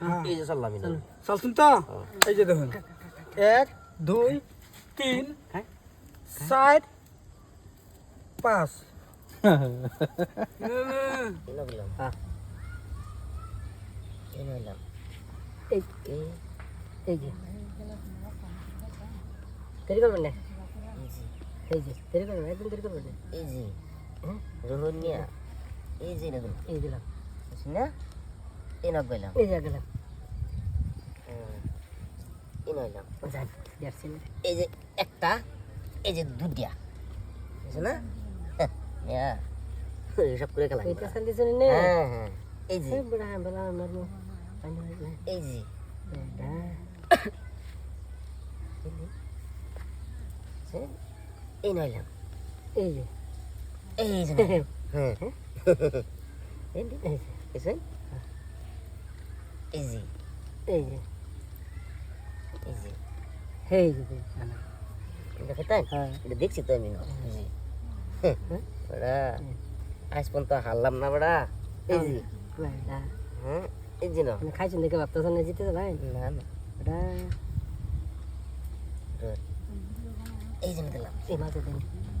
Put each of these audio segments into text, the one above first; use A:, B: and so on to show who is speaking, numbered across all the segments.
A: এই যে চাললাম আমি
B: চালছেন তো এই যে দেখুন 1 2 3 4 5
A: এনে দিলাম এনে দিলাম
C: এই এই যে দেরি করবেন না এই যে দেরি করবেন একদম দেরি করবেন না
A: এই যে রোহনিয়া এই যে এনে দিলাম
C: এই দিলাম
A: না এনে গেলাম
C: এই যে গেলাম
A: এনে দিলাম
C: যান দেখছি না
A: এই যে একটা এই যে দুটিয়া বুঝছো না হ্যাঁ সব করে খেলা
C: এটা সাল দিছেন না
A: হ্যাঁ হ্যাঁ এই যে
C: বড় বড় মারমু পানি লাগবে
A: এই যে
C: এটা
A: এই নইলাম
C: এই যে
A: এই যে হ্যাঁ
C: এই যে
A: এসে এই যে
C: এই যে
A: এই যে
C: এই যে
A: এটা খেতাম
C: হ্যাঁ
A: এটা দেখছি তো আমি না জি বড়া আজ পর্যন্ত হারলাম না বড়া এই যে
C: বড়া
A: হ্যাঁ এই যে না
C: খাইছেন দেখে ভাবতেছেন না জিতে ভাই
A: না না
C: বড়া
A: এই যে দিলাম
C: এই মাঝে দিন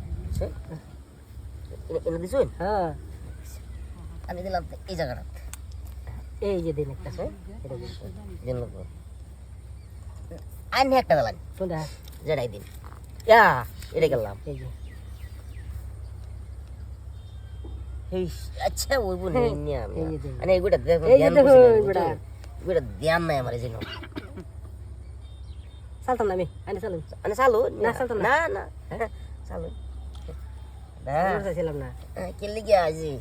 A: এনে দিছুন
C: হ্যাঁ
A: আমি দিলাম এই জায়গাটা
C: এই যে দিন একটা এটা দিন
A: দিন আইন একটা দিলাম
C: কোনটা
A: যেটাই দিন ইয়া এটা গেলাম
C: এই যে
A: এই আচ্ছা ওই বল নিয়ে আমি
C: এই যে দিন।
A: মানে এগুলা দেখো
C: এই যে
A: ধ্যান
C: দেখো,
A: করছি না,
C: এগুলা।
A: এগুলা ধ্যান নাই আমার জন্য
C: চালতাম না আমি আনি চালুন
A: মানে চালু
C: না, চালতো
A: না না চালু না
C: চাইছিলাম না
A: কে লিগে আজি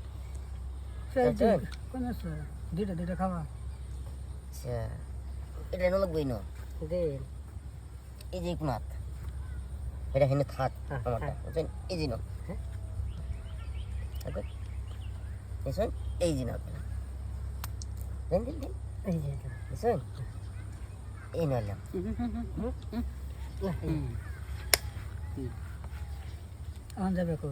B: কোন আছে দুইটা খাওয়া
A: আচ্ছা এটা এনে লাগবই না
C: দিন
A: এই যে কোনাত এটা হেনে থাক
C: হ্যাঁ,
A: আমারটা
C: হ্যাঁ।
A: বুঝছেন এই যে না হ্যাঁ তারপর এসন এই যে না দেন দেন দেন
C: এই যে
A: এসন এই নালাম
B: আন যাবে কই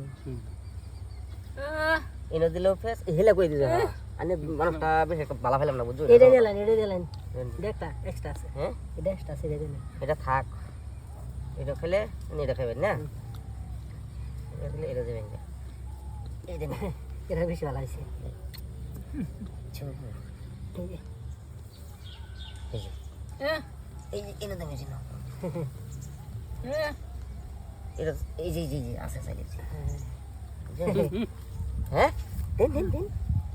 A: এনে দিলো ফেস হেলা কই দিছো আনে মানুষটা বেশ একটা বালা ফেলাম না বুঝছো
C: এটা দিলেন দেখটা এক্সট্রা আছে
A: হ্যাঁ
C: এটা এক্সট্রা আছে এটা দিলেন
A: এটা থাক এটা খেলে এটা খাবেন না এটা খেলে এটা দেবেন না এই দেন
C: এটা বেশি ভালো হয়েছে এই যে
A: এই যে এই যে এনে দেবেন না এটা এই যে জি জি আছে সাইডে হ্যাঁ দেন দেন দেন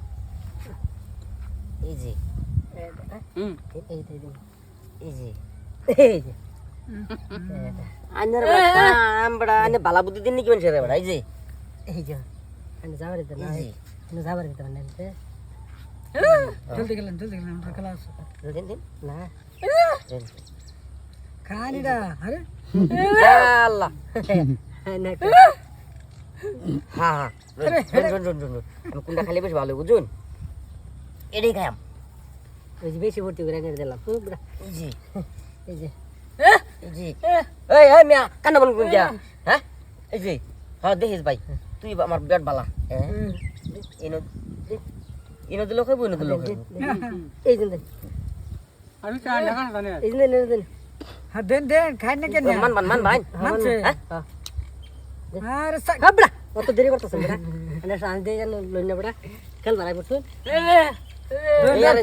A: এই যে
C: এই দিন
A: এই যে
C: এই যে
A: আন্নার আমরা আনে বালা বুদ্ধি দিন নাকি মানুষের বড় এই যে
C: এই যে আমি যাবার দিতে না
A: এই যে
C: আমি যাবার দিতে না
B: জলদি গেলেন আমরা খেলা আছে
A: দেন দেন
C: না
A: দেন
B: খানিটা আরে
A: আল্লাহ
C: না
A: হ্যাঁ হ্যাঁ আমি কোনটা খালি বেশ ভালো বুঝুন এটাই খাইম
C: ওই যে বেশি ভর্তি করে এনে দিলাম
A: এই যে
C: এই যে
A: এই যে এই এই মিয়া কান্না বল কোন যা হ্যাঁ এই যে হ্যাঁ দেখিস ভাই তুই আমার বিরাট বালা হ্যাঁ এনো এনো দিলো খাইবো এনো দিলো খাইবো
C: এই দিন
B: আমি চা না খানা জানি
C: এই দিন
B: হ্যাঁ দেন খাই না কেন
A: মান ভাই
B: মানছে
A: হ্যাঁ
B: আরে
C: হাবড়া অত দেরি করতেছেন বেটা এনে শান্তি লইনা বেটা খেল বাড়াই পড়ছুন
A: এই